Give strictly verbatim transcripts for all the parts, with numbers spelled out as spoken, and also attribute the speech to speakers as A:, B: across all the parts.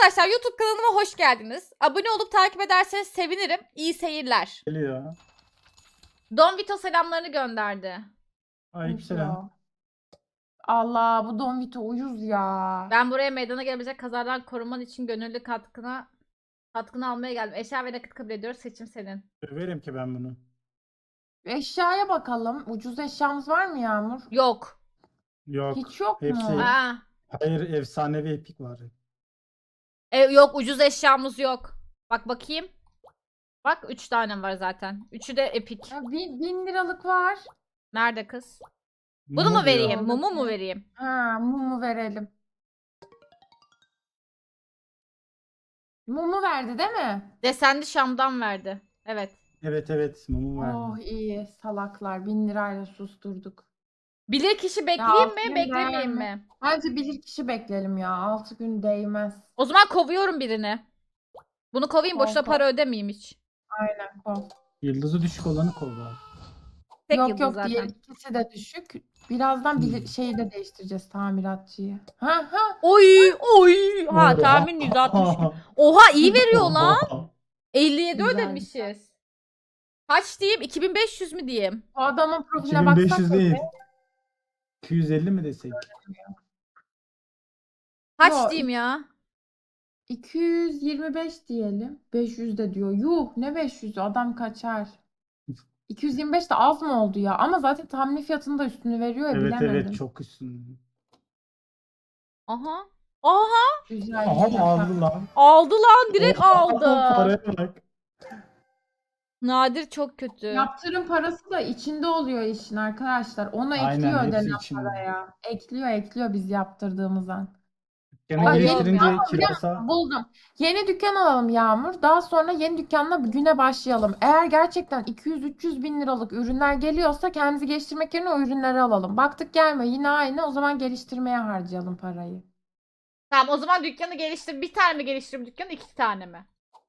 A: Arkadaşlar YouTube kanalıma hoş geldiniz. Abone olup takip ederseniz sevinirim. İyi seyirler.
B: Geliyor.
A: Don Vito selamlarını gönderdi.
B: Aleykümselam.
C: Allah, bu Don Vito uyuz ya.
A: Ben buraya meydana gelebilecek kazadan korunman için gönüllü katkına katkını almaya geldim. Eşya ve nakit kabul ediyoruz. Seçim senin.
B: Döverim ki ben bunu.
C: Eşyaya bakalım. Ucuz eşyamız var mı Yağmur?
A: Yok.
B: Yok.
C: Hiç yok
B: Hepsi-
C: mu?
A: Aa,
B: Hayır, efsanevi epik var.
A: e, yok ucuz eşyamız yok. Bak bakayım. Bak üç tane var zaten. Üçü de epik.
C: Ya, bin, bin liralık var.
A: Nerede kız? Bunu
B: Mumu
A: mu
B: diyor.
A: vereyim? Mumu mu vereyim?
C: Ha, mumu verelim. Mumu verdi değil mi?
A: Desenli Şam'dan verdi. Evet.
B: Evet evet mumu var.
C: Oh iyi salaklar. Bin lirayla susturduk.
A: Bilir kişi bekleyeyim mi?
C: aferin
A: Beklemeyeyim
C: be.
A: mi?
C: Bence bilir kişi bekleyelim ya. Altı gün değmez.
A: O zaman kovuyorum birini. Bunu kovayım, boşuna
C: Kov, kov.
A: para ödemeyeyim hiç.
C: Aynen kov.
B: Yıldızı düşük olanı kova.
A: Tek
C: Yok
A: yıldız
C: yok
A: zaten.
C: diğer ikisi de düşük. Birazdan bilir,
B: Hmm.
C: şeyi de değiştireceğiz tamiratçıyı. Ha ha.
A: Oy oy. Ha
B: Oha.
A: tahmin yüz altmış. Oha iyi veriyor lan. elli yedi
C: Güzel,
A: ödemişiz. Kaç diyeyim? iki bin beş yüz mü diyeyim?
C: Bu adamın profiline
B: iki bin beş yüz
C: baksak
B: değil.
C: mı?
B: iki yüz elli mi desek?
A: Kaç
C: Yo,
A: diyeyim ya?
C: iki yüz yirmi beş diyelim. beş yüz de diyor. Yuh ne beş yüzü adam kaçar. iki yüz yirmi beş de az mı oldu ya? Ama zaten tahmini fiyatını da üstünü veriyor ya
B: Evet
C: bilemedim.
B: evet çok üstün.
A: Aha. Aha.
C: Güzel
B: Aha
C: güzel.
B: aldı lan.
A: Aldı lan. Direkt
B: Oha,
A: aldı.
B: Paraya bak.
A: Nadir çok kötü.
C: Yaptırım parası da içinde oluyor işin arkadaşlar. Onu
B: Aynen,
C: ekliyor
B: hepsi
C: ödenen
B: içinde.
C: paraya. Ekliyor ekliyor biz yaptırdığımız an.
B: Gene
C: Aa,
B: geliştirince
C: ama
B: kirasa.
C: Buldum. Yeni dükkan alalım Yağmur. Daha sonra yeni dükkanla güne başlayalım. Eğer gerçekten iki yüz üç yüz bin liralık ürünler geliyorsa kendimizi geliştirmek yerine o ürünleri alalım. Baktık gelmiyor yine aynı. O zaman geliştirmeye harcayalım parayı.
A: Tamam o zaman dükkanı geliştir. Bir tane mi geliştireyim dükkanı? İki tane mi?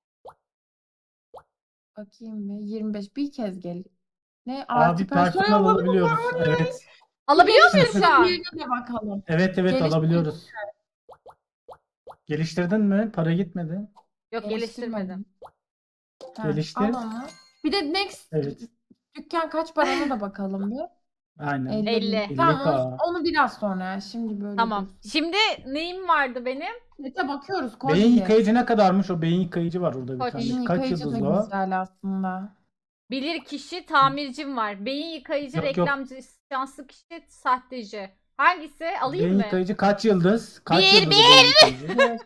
C: Bakayım mı? yirmi beş bir kez gel. Ne?
B: Abi
C: Artı personel
B: personel
C: alalım.
B: alabiliyoruz. Evet.
A: Alabiliyor muyuz şu an?
C: Geliştirme yerine de bakalım.
B: Evet evet
C: Geliştir-
B: alabiliyoruz. Geliştirdin mi? Para gitmedi.
A: Yok geliştirmedim.
C: Ha,
B: Geliştir.
C: al onu. Bir de next
B: Evet.
C: dükkan kaç paranı da bakalım bir.
B: Aynen.
C: elli
A: elli.
C: bin. Tamam
B: elli K.
C: onu, onu biraz sonra ya. Şimdi böyle
A: Tamam.
C: dursun.
A: Şimdi neyim vardı benim?
C: Nete bakıyoruz.
B: Beyin
C: Kolye.
B: yıkayıcı ne kadarmış? O beyin yıkayıcı var orada bir
A: Kolye.
B: tane.
C: Beyin
B: Kaç
C: yıkayıcı da
B: yıldızlı o?
C: güzel aslında.
A: Bilir kişi tamircim var. Beyin yıkayıcı,
B: Yok, yok.
A: reklamcı, şanslı kişi, sahteci. Hangisi? Alayım
B: Beyin
A: mı?
B: yıkayıcı kaç yıldız? Kaç
A: Bir,
B: yıldız o beyin yıkayıcı?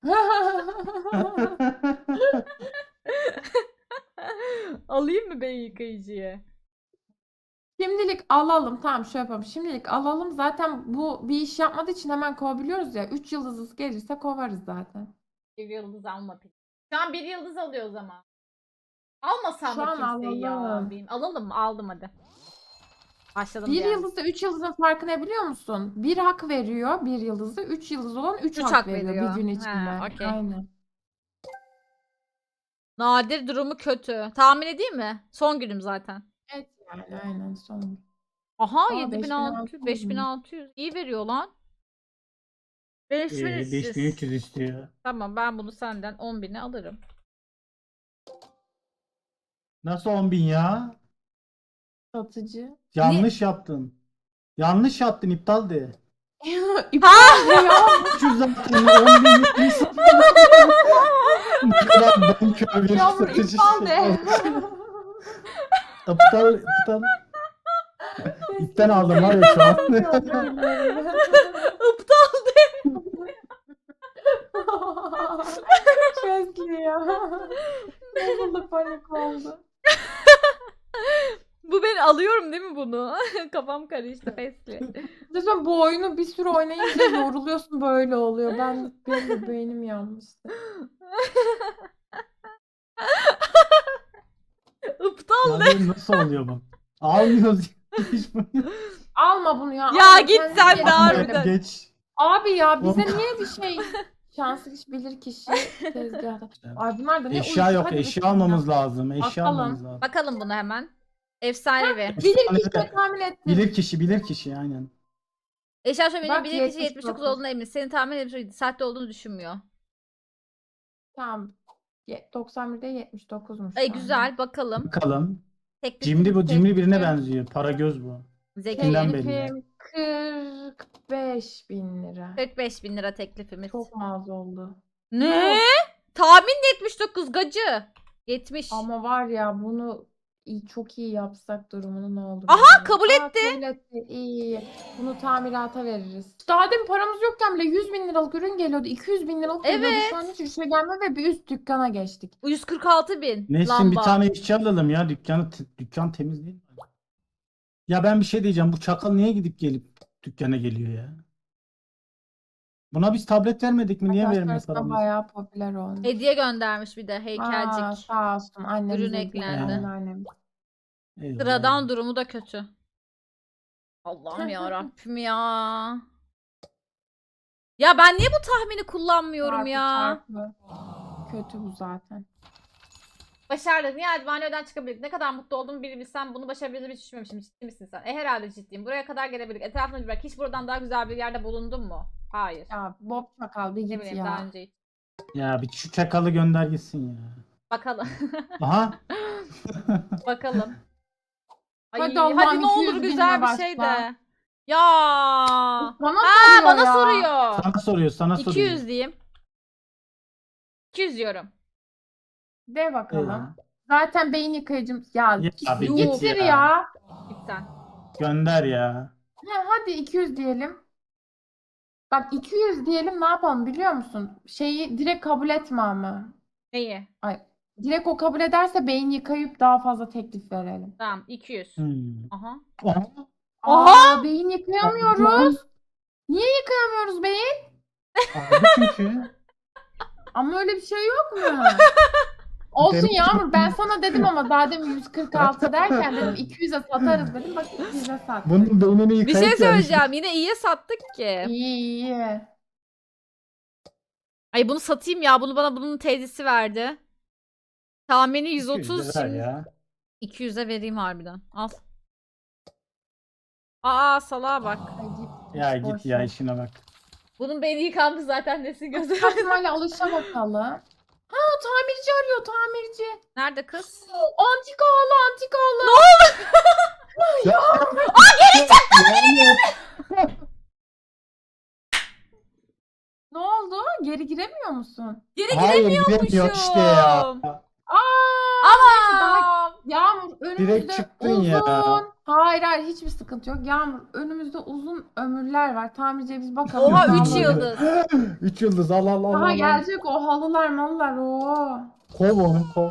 A: Alayım mı beyin yıkayıcıyı?
C: Şimdilik alalım. Tamam şöyle yapalım. Şimdilik alalım. Zaten bu bir iş yapmadığı için hemen kovabiliyoruz ya. üç yıldızlı gelirse kovarız zaten.
A: Bir yıldız alma peki. Şu an bir yıldız alıyor o zaman. Almasam
C: Şu
A: mı
C: an
A: kimseyi ya?
C: alalım.
A: Benim- Alalım mı? Aldım hadi. Başladım
C: Bir
A: yani.
C: yıldızla üç yıldızın farkı ne biliyor musun? Bir hak veriyor bir yıldızda. Üç yıldız olan üç
A: Üç
C: hak,
A: hak
C: veriyor,
A: veriyor.
C: bir gün
A: Ha,
C: içinde.
A: okey.
C: Aynen.
A: Nadir durumu kötü. Tahmin edeyim mi? Son günüm zaten.
C: Evet yani aynen son.
A: Aha
C: Aa,
A: yedi bin altı yüz, beş bin
C: beş bin
A: altı yüz. İyi veriyor lan. beş bin
B: Ee,
A: üç yüz.
B: beş bin üç yüz istiyor.
A: Tamam ben bunu senden on bine alırım.
B: Nasıl on bin ya?
C: Satıcı.
B: Yanlış yaptın. Yanlış yaptın, iptal de.
C: İptal ediyor.
B: üç yüz zaten on bin yüz Ne kadar bonkör bir
C: Yağmur
B: satıcı
C: iptal
B: şey
C: de.
B: olmuş. İptal, iptal. İpten aldım var ya şu an.
A: Aptal.
C: Çok iyi ya. Bozuldu panik oldu.
A: Bu ben alıyorum değil mi bunu? Kafam karıştı pesli.
C: Lütfen bu oyunu bir sürü oynayınca yoruluyorsun böyle oluyor. Ben benim de beynim yanmıştı.
A: Aptal.
B: Ya nasıl oluyor bu? Almıyoruz. Hiç bunu.
C: Alma bunu ya.
A: Ya
C: alma,
A: git
C: kendin
A: sen
C: ye.
A: de harbiden.
B: Geç.
C: Abi ya bize
B: Oğlum.
C: niye bir şey şanslı kişi bilir kişi tezgahta. Ay bunlar da ne
B: Eşya
C: uyuz.
B: yok.
C: Hadi
B: Eşya
C: bakalım.
B: almamız lazım. Eşya
C: Bakalım.
B: almamız lazım.
A: Bakalım bunu hemen. Efsanevi.
C: Bilir
B: Efsane
C: kişi
B: de.
C: tahmin ettim.
B: Bilir kişi, bilir kişi aynen.
A: Eşya şöyle
C: Bak,
A: bilir kişi yetmiş
C: yetmiş
A: dokuz
C: dokuz.
A: olduğuna emin. Senin tahmin etmiş sahte olduğunu düşünmüyor.
C: Tamam. Ye- doksan birde yetmiş dokuzmuş.
A: Ay
C: şu anda.
A: güzel bakalım.
B: Bakalım.
A: Teklifimiz
B: Cimri bu. Cimri birine
A: teklifim.
B: benziyor. Para göz bu.
A: Zeki.
B: Kimden belli?
C: Teklifim kırk beş bin lira.
A: kırk beş bin lira teklifimiz.
C: Çok mu az oldu?
A: Ne? Tahmin yetmiş dokuz gacı. yetmiş.
C: Ama var ya bunu iyi, çok iyi yapsak durumunu ne olur?
A: Aha,
C: acaba?
A: kabul
C: Aa,
A: etti.
C: kabul etti. İyi iyi. Bunu tamirata veririz. Daha demin paramız yokken bile yüz bin liralık ürün geliyordu. iki yüz bin liralık geliyordu.
A: Evet.
C: Şu an hiç şey gelmiyor ve bir üst dükkana geçtik.
A: yüz kırk altı bin
B: Nesin bir
A: lamba.
B: tane işçi alalım ya. Dükkanı dükkan temiz değil mi? Ya ben bir şey diyeceğim. Bu çakal niye gidip gelip dükkana geliyor ya? Buna biz tablet vermedik mi? Niye
C: Arkadaşlar
B: vermiyor
C: arasında
B: paramızı?
C: bayağı popüler olmuş.
A: Hediye göndermiş bir de
C: Aa,
A: heykelcik.
C: sağ olsun annemize
A: Ürün
C: hediye,
A: eklendi.
C: anneannem.
B: Eyvallah.
A: Sıradan durumu da kötü. Allah'ım ya Rabbim ya. Ya ben niye bu tahmini kullanmıyorum
C: Çarpı
A: ya?
C: çarpı. Kötü bu zaten.
A: Başardık. Nihayet banyodan çıkabildik. Ne kadar mutlu olduğumu bir bilsem bunu başarabildiğimi hiç düşünmemişim. Ciddi misin sen? E herhalde ciddiyim. Buraya kadar gelebildik. Etrafına bir bak. Hiç buradan daha güzel bir yerde bulundun mu? Hayır.
C: Ya Bob Çakal bir
A: Ne
C: git
A: bileyim
C: ya.
A: daha önce hiç.
B: Ya bir şu çakalı gönder gitsin ya.
A: Bakalım.
B: Aha.
A: Bakalım. Ay,
C: Hadi
A: hadi,
C: Allah'ım,
A: ne olur
C: iki yüz
A: güzel
C: binle
A: bir şey
C: başla.
A: de. Ya.
C: Bana
A: Ha
C: soruyor
A: bana
C: ya.
A: soruyor.
B: Sana soruyor, sana
A: iki
B: soruyor.
A: yüz diyeyim. iki yüz diyorum.
C: De bakalım.
B: Eyvah.
C: Zaten beyin yıkayıcım. Ya,
B: Ya
C: git-
B: abi git
C: getir
B: ya.
C: ya.
A: Git sen.
B: Gönder ya.
C: Ha, hadi iki yüz diyelim. Bak iki yüz diyelim, ne yapalım biliyor musun? Şeyi direkt kabul etme ama.
A: Neyi?
C: Ay, direkt o kabul ederse beyin yıkayıp daha fazla teklif verelim.
A: Tamam iki yüz.
B: Hmm.
A: Aha.
B: Aha.
C: Aa, beyin yıkayamıyoruz. Niye yıkayamıyoruz beyin?
B: Aldı çünkü.
C: Ama öyle bir şey yok mu? Olsun
B: Demek ki-
C: Yağmur, ben sana dedim ama daha demin yüz kırk altı derken dedim iki yüze satarız dedim. Bak iki yüze sattık.
B: Bunun beynini
A: Bir
B: yıkayıp
A: şey
B: gelmiş.
A: söyleyeceğim. Yine iyiye sattık ki.
C: İyi iyi.
A: Ay bunu satayım ya. Bunu bana bunun teyzesi verdi. Tahmini yüz
B: iki yüz
A: otuz
B: lira
A: şimdi.
B: ya.
A: iki yüze vereyim harbiden. Al. Aa salağa bak.
C: Ay, git.
B: Ya
C: Boş
B: git ya
C: ver.
B: işine bak.
A: Bunun beyni yıkandı zaten nesin gözü.
C: Saçmayla alışa bakalım. Ha, tamirci arıyor, tamirci.
A: Nerede kız?
C: Antika halı, antika halı.
B: Ya. Aa geri çıktı.
C: Ne oldu? Geri giremiyor musun?
A: Geri
B: Hayır giremiyor işte ya.
C: Aa!
A: Ama.
C: Yağmur önümüzde
B: Direkt çıktın
C: uzun.
B: ya.
C: Hayır hayır, hiçbir sıkıntı yok. Yağmur önümüzde uzun ömürler var. Tamirciye biz bakalım.
A: Oha
C: Daha
A: üç
C: böyle-
A: yıldız.
B: Üç yıldız al al al.
C: Daha
B: al, al.
C: gelecek o halılar malılar o.
B: Kov onu kov.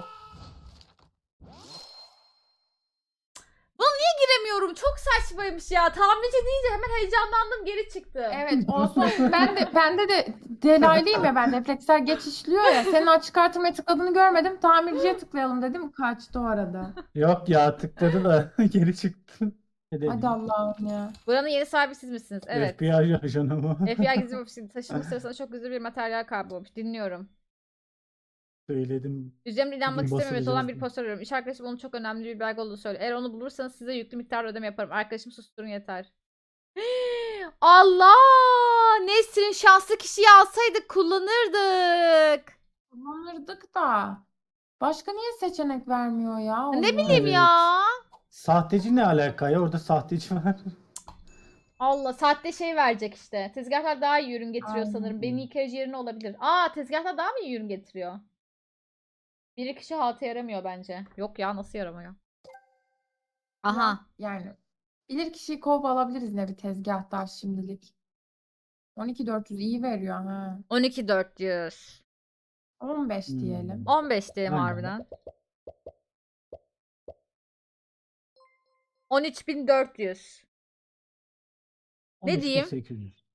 A: Giremiyorum. Çok saçmaymış ya. Tamirci deyince hemen heyecanlandım geri çıktı.
C: Evet olsun. Ben de bende de delaylıyım ya, ben refleksler geç işliyor ya. Senin açık artırmaya tıkladığını görmedim. Tamirciye tıklayalım dedim. Kaçtı o arada.
B: Yok ya tıkladı da geri çıktı.
C: Hadi Allah'ım ya.
A: Buranın yeni sahibi siz misiniz? Evet.
B: F B I ajanı mı?
A: F B I gizli ofisi taşınma sırasında çok güzel bir materyal kaybolmuş. Dinliyorum.
B: Söyledim.
A: Üzerimde inanmak
B: Bugün
A: istememesi olan bir
B: basılacağız.
A: poster arıyorum. İş arkadaşım onun çok önemli bir belge olduğunu söylüyor. Eğer onu bulursanız size yüklü miktarda ödeme yaparım. Arkadaşım susturun yeter. Allah! Nesrin şanslı kişiyi alsaydık kullanırdık.
C: Kullanırdık da. Başka niye seçenek vermiyor ya?
A: Ne
C: Allah.
A: bileyim
B: Evet.
A: ya.
B: Sahteci ne alaka ya? Orada sahteci var.
A: Allah saatte şey verecek işte. Tezgahlar daha iyi ürün getiriyor
C: Aynen.
A: sanırım. Benim yıkayıcı yerine olabilir. Aa tezgahlar daha mı iyi ürün getiriyor? Bir kişi halta yaramıyor bence. Yok ya nasıl yaramıyor? Aha.
C: Yani bilir kişiyi kov alabiliriz ne bir tezgahtar şimdilik. on iki dört yüz iyi veriyor ha.
A: on iki dört yüz.
C: on beş
B: Hmm.
C: diyelim.
A: on beş diyelim
B: Aynen.
A: harbiden. on üç bin dört yüz. Ne diyeyim?
B: sekiz yüz.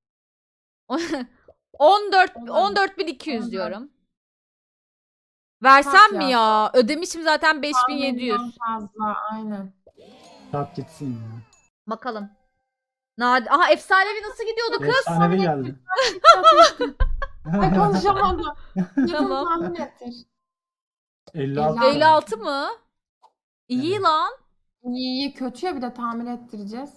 A: on dört
C: Olabilir.
A: on dört bin iki yüz
C: Olabilir.
A: diyorum. Versem
C: Kaç
A: mi
C: ya?
A: ya? Ödemişim zaten beş bin yedi yüz.
C: Tahminden fazla aynen.
B: Tap gitsin ya.
A: Bakalım. Nadi Aha efsanevi nasıl gidiyordu kız?
B: Efsanevi geldi.
C: Ay konuşamadım. Yakın
A: Tamam.
C: tahmin ettir.
B: elli altı.
A: elli altı mı? İyi
B: Evet.
A: lan.
C: İyi iyi, kötüye bir de tamir ettireceğiz.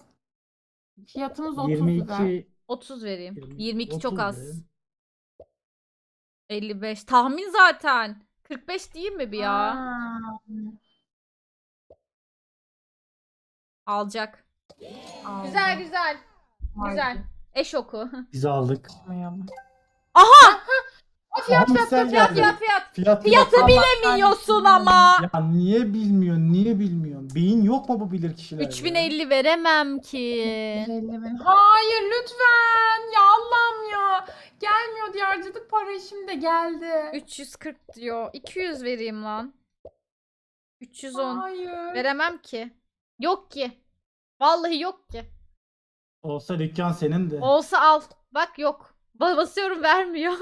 C: Fiyatımız otuz
B: yirmi
C: lira.
B: iki.
A: otuz vereyim.
B: Yirmi-
A: yirmi iki çok
B: otuz
A: az.
B: verelim.
A: elli beş. Tahmin zaten. kırk beş değil mi bir ya?
C: Aa,
A: Alacak.
C: aldım.
A: Güzel güzel. Güzel.
C: Haydi.
A: Eş oku.
B: Biz aldık.
C: Yapmayalım.
A: Aha!
C: Aa, fiyat
B: Aha,
C: fiyat
B: sen
C: fiyat
A: Fiyat
B: geldin.
A: fiyat fiyat.
B: Fiyat
A: Fiyatı
B: fiyat.
A: bilemiyorsun ama.
B: Ya niye bilmiyorsun? Niye bilmiyorsun? Beyin yok mu bu bilir kişilerde?
A: üç bin elli veremem ki.
C: elli bin. Hayır lütfen. Ya Allah'ım ya. Gelmiyor diye harcadık parayı şimdi geldi.
A: üç yüz kırk diyor. iki yüz vereyim lan. üç yüz on.
C: Hayır.
A: Veremem ki. Yok ki. Vallahi yok ki.
B: Olsa dükkan senin de.
A: Olsa al. Bak yok. Ba- Basıyorum vermiyor.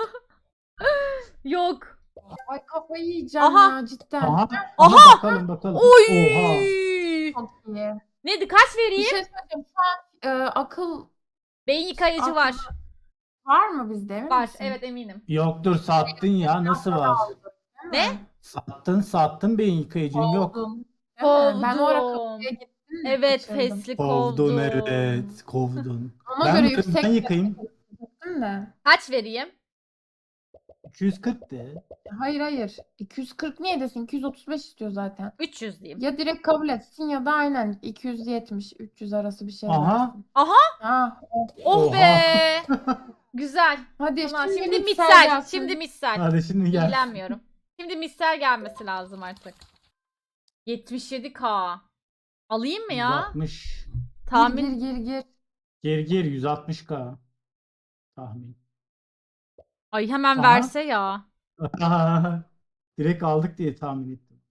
A: Yok.
C: Ay kafayı yiyeceğim
A: Aha.
C: ya cidden.
B: Aha.
A: Aha!
B: Aha. Bakalım bakalım.
A: Oy!
B: Oha.
C: Çok iyi.
A: Neydi? Kaç
C: Bir
A: vereyim?
C: şey söyleyeyim. Şu an e, akıl
A: Beyin yıkayıcı
C: akıl
A: var.
C: var mı bizde emin
A: Var.
C: misin?
A: Evet eminim.
B: Yoktur sattın ya. Nasıl var?
C: Değil
A: Ne?
C: mi?
B: Sattın sattın beyin yıkayıcın yok.
C: Kovdun. Değil mi? Ben o ara
A: Kovdum.
C: kapıya gittim de
A: Evet
C: kaçırdım.
A: fesli
B: Kovdun
A: kovdum.
B: evet. Kovdun.
C: Ona
B: Ben
C: göre
B: yıkayayım,
C: yüksek
B: ben yıkayayım.
C: gittim de.
A: Kaç vereyim?
B: iki yüz kırk de.
C: Hayır hayır. iki yüz kırk niye desin? iki yüz otuz beş istiyor zaten.
A: üç yüz diyeyim.
C: Ya direkt kabul etsin ya da aynen iki yüz yetmiş üç yüz arası bir şey
B: Aha.
C: versin.
A: Aha.
C: Ha. oh.
A: Oh
B: Oha.
A: be. Güzel.
C: Hadi
A: Tamam,
C: şimdi,
A: şimdi
C: mikser
A: mitsel.
C: gelsin.
A: Şimdi mitsel.
B: Hadi şimdi gel.
A: İlgilenmiyorum. Şimdi mitsel gelmesi lazım artık. yetmiş yedi K. Alayım mı ya?
B: yüz altmış.
A: Tahmin.
C: Gir gir gir.
B: Geri geri yüz altmış K. Tahmin.
A: Ay hemen
B: Aha.
A: verse ya.
B: Direkt aldık diye tahmin ettim.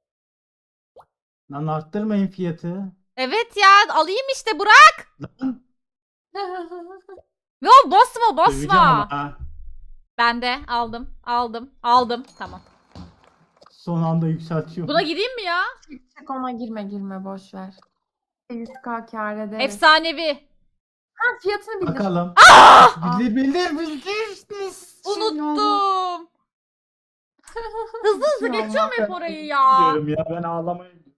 B: Lan arttırmayın fiyatı.
A: Evet ya alayım işte bırak.
B: Lan
A: Yo basma
B: döveceğim
A: basma.
B: ama ha.
A: Ben de aldım. Aldım. Aldım. Tamam.
B: Son anda yükseltiyor.
A: Buna gireyim mi ya?
C: Çık ona girme girme boş ver. yüz K kâr ederiz.
A: Efsanevi.
C: Ha, fiyatını bildir.
B: Bakalım.
C: Aa!
B: Bildir bildir bildir. Biz şimdi oldu.
A: Unuttum. Hızlı hızlı
C: Ya
A: geçiyorum hep
C: Allah.
A: orayı ya.
B: Diyorum ya ben ağlamaya gidiyorum.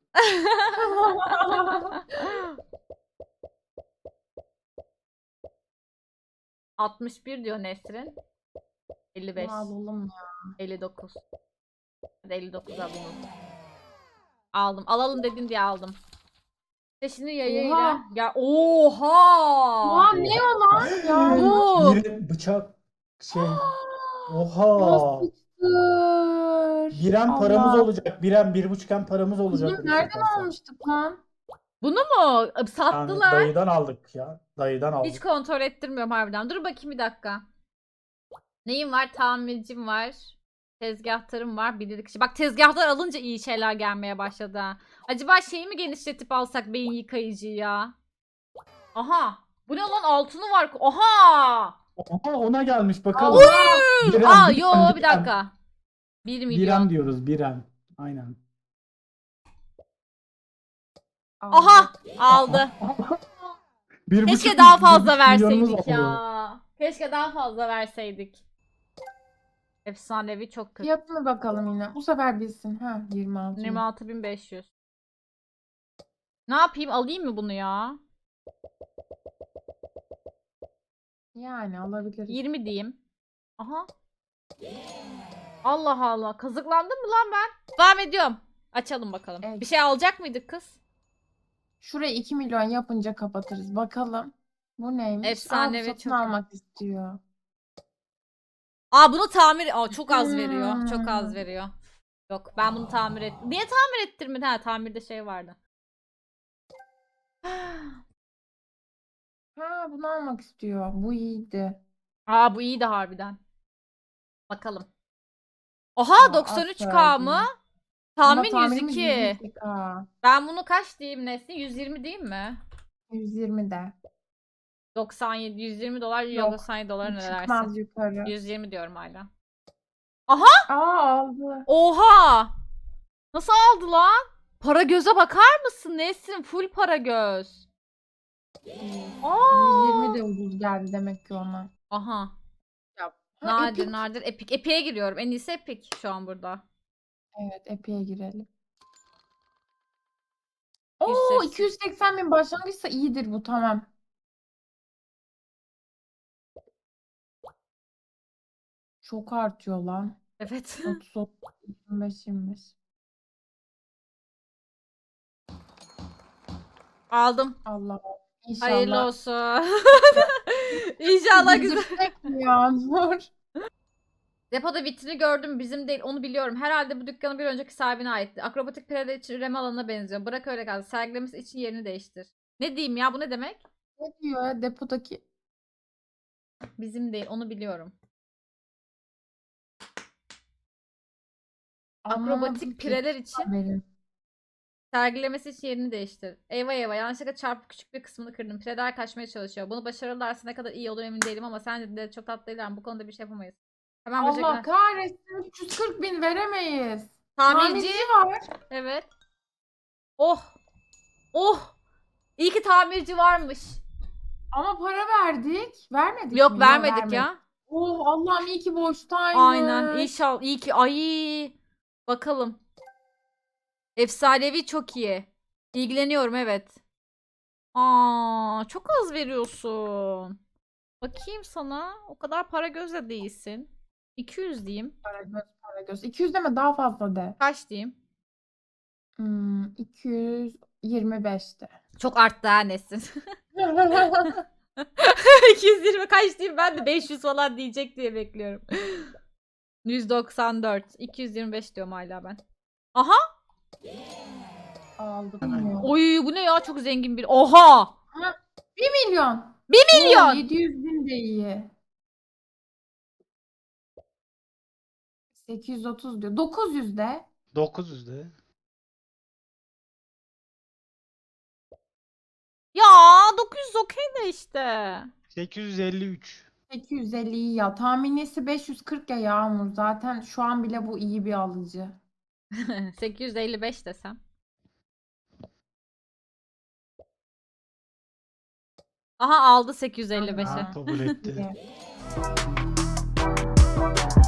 A: altmış bir diyor Nesrin. elli beş.
C: Bunu alalım ya.
A: elli dokuz. Hadi elli dokuza bunu. Aldım. Alalım dedin diye aldım. Seçini yayıyla.
C: Oha.
A: Ya oha.
C: Oha ne o lan ya?
A: Bu.
B: Bir bıçak şey. Oha.
C: Monster.
B: Biren paramız
C: Allah.
B: olacak. Biren bir buçukken paramız olacak.
C: Kızım
B: bu
C: nereden
B: satarsak.
C: almıştık lan?
A: Bunu mu?
B: Yani
A: Sattılar.
B: dayıdan aldık ya. Dayıdan aldık.
A: Hiç kontrol ettirmiyorum harbiden. Dur bakayım bir dakika. Neyim var? Tamircim var. Tezgahtarım var. Bilirkişi. Bak tezgahtar alınca iyi şeyler gelmeye başladı. ha. Acaba şeyi mi genişletip alsak beyin yıkayıcıyı ya? Aha. Bu ne lan altını var. Aha.
B: Oha, ona gelmiş bakalım.
A: Oy!
B: Biren,
A: Aa
B: biren,
A: yo bir
B: biren.
A: dakika. bir milyon.
B: Biren diyoruz biren. Aynen.
A: Aha aldı.
B: Bir
A: Keşke
B: buçuk-
A: daha
B: bir
A: fazla
B: buçuk milyonumuz
A: verseydik
B: oldu.
A: ya. Keşke daha fazla verseydik. Efsanevi çok kötü.
C: Fiyatını bakalım yine. Bu sefer bilsin. Ha yirmi altı.
A: yirmi altı bin beş yüz. Ne yapayım? Alayım mı bunu ya?
C: Yani alabiliriz.
A: yirmi diyeyim. Aha. Allah Allah. Kazıklandım mı lan ben? Devam ediyorum. Açalım bakalım.
C: Evet.
A: Bir şey alacak mıydık kız?
C: Şurayı iki milyon yapınca kapatırız. Bakalım. Bu neymiş?
A: Efsanevi
C: Aa, bu satın
A: çok-
C: almak istiyor.
A: Aa bunu tamir... Aa çok az veriyor. Çok az
C: Hmm.
A: veriyor. Yok ben bunu tamir et. Niye tamir ettirmedi? Ha tamirde şey vardı.
C: Ha bunu almak istiyor. Bu iyiydi.
A: Aa bu iyi de harbiden. Bakalım. Oha
C: Aa,
A: doksan üç K
C: aferin.
A: mı?
C: Ama
A: Tahmin
C: tahminimiz
A: yüz iki.
C: yüz iki K.
A: Ben bunu kaç diyeyim Nesli? yüz yirmi diyeyim mi?
C: yüz yirmi de.
A: doksan yedi, yüz yirmi dolar ya
C: Yok,
A: doksan yedi dolar ne dersin?
C: Çıkmaz yukarı.
A: yüz yirmi diyorum hala.
C: Aa aldı.
A: Oha! Nasıl aldı lan? Para göze bakar mısın Nesrin? Full para göz. Aa!
C: yüz yirmi de ucuz geldi demek ki ona.
A: Aha.
C: Ha,
A: Nadir
C: Epic.
A: nadir Epic. Epic'e giriyorum. En iyisi Epic şu an burada.
C: Evet Epic'e girelim.
A: yüz
C: Oo
A: seksen.
C: iki yüz seksen bin başlangıçsa iyidir bu tamam. Çok artıyor lan.
A: Evet.
C: otuz, otuz, yirmi beş, yirmi beş.
A: Aldım.
C: Allah
A: Hayırlı
C: inşallah.
A: olsun. İnşallah güzel.
C: Güldürsek mi Yağmur?
A: Depoda vitrini gördüm, bizim değil, onu biliyorum. Herhalde bu dükkanın bir önceki sahibine aitti. Akrobatik pireler için üreme alanına benziyor. Bırak öyle kalsın. Sergilemesi için yerini değiştir. Ne diyeyim ya, bu ne demek?
C: Ne diyor ya depodaki?
A: Bizim değil, onu biliyorum.
C: Anlamadım
A: Akrobatik
C: ki
A: pireler için
C: haberi.
A: sergilemesi için yerini değiştir. Eyvah eyvah, yanlışlıkla çarpıp küçük bir kısmını kırdım. Pireler kaçmaya çalışıyor. Bunu başarırlarsa ne kadar iyi olur emin değilim ama sen de çok tatlıylar. Bu konuda bir şey yapamayız. Hemen
C: Allah
A: böcekler.
C: kahretsin üç yüz kırk bin veremeyiz.
A: Tamirci.
C: Tamirci var.
A: Evet. Oh. Oh. İyi ki tamirci varmış.
C: Ama para verdik. Vermedik
A: Yok
C: mi?
A: vermedik
C: vermedik.
A: ya.
C: Oh Allah'ım iyi ki boştaymış.
A: Aynen. İnşallah. İyi ki. Ay. Bakalım. Efsanevi çok iyi. İlgileniyorum evet. Aa, çok az veriyorsun. Bakayım sana. O kadar para gözle değilsin. iki yüz diyeyim.
C: Para göz, para göz. iki yüz deme daha fazla de.
A: Kaç diyeyim?
C: Hmm, iki yüz yirmi beşte.
A: Çok arttı ha Nesin. iki yüz yirmi kaç diyeyim, ben de beş yüz falan diyecek diye bekliyorum. yüz doksan dört. iki yüz yirmi beş diyorum hala ben. Aha.
C: Aldık.
B: Hemen.
A: Oy bu ne ya, çok zengin bir. Oha.
C: bir milyon.
A: bir milyon.
C: Oo, yedi yüz bin de iyi. sekiz yüz otuz diyor. dokuz yüz de.
B: dokuz yüzde.
A: Ya dokuz yüz okey de işte.
B: sekiz yüz elli üç.
C: sekiz yüz elli iyi ya. Tahminisi beş yüz kırk ya Yağmur. Zaten şu an bile bu iyi bir alıcı.
A: sekiz yüz elli beş desem. Aha aldı sekiz yüz elli beşe.
C: Aa.
B: Kabul etti.
C: İyi.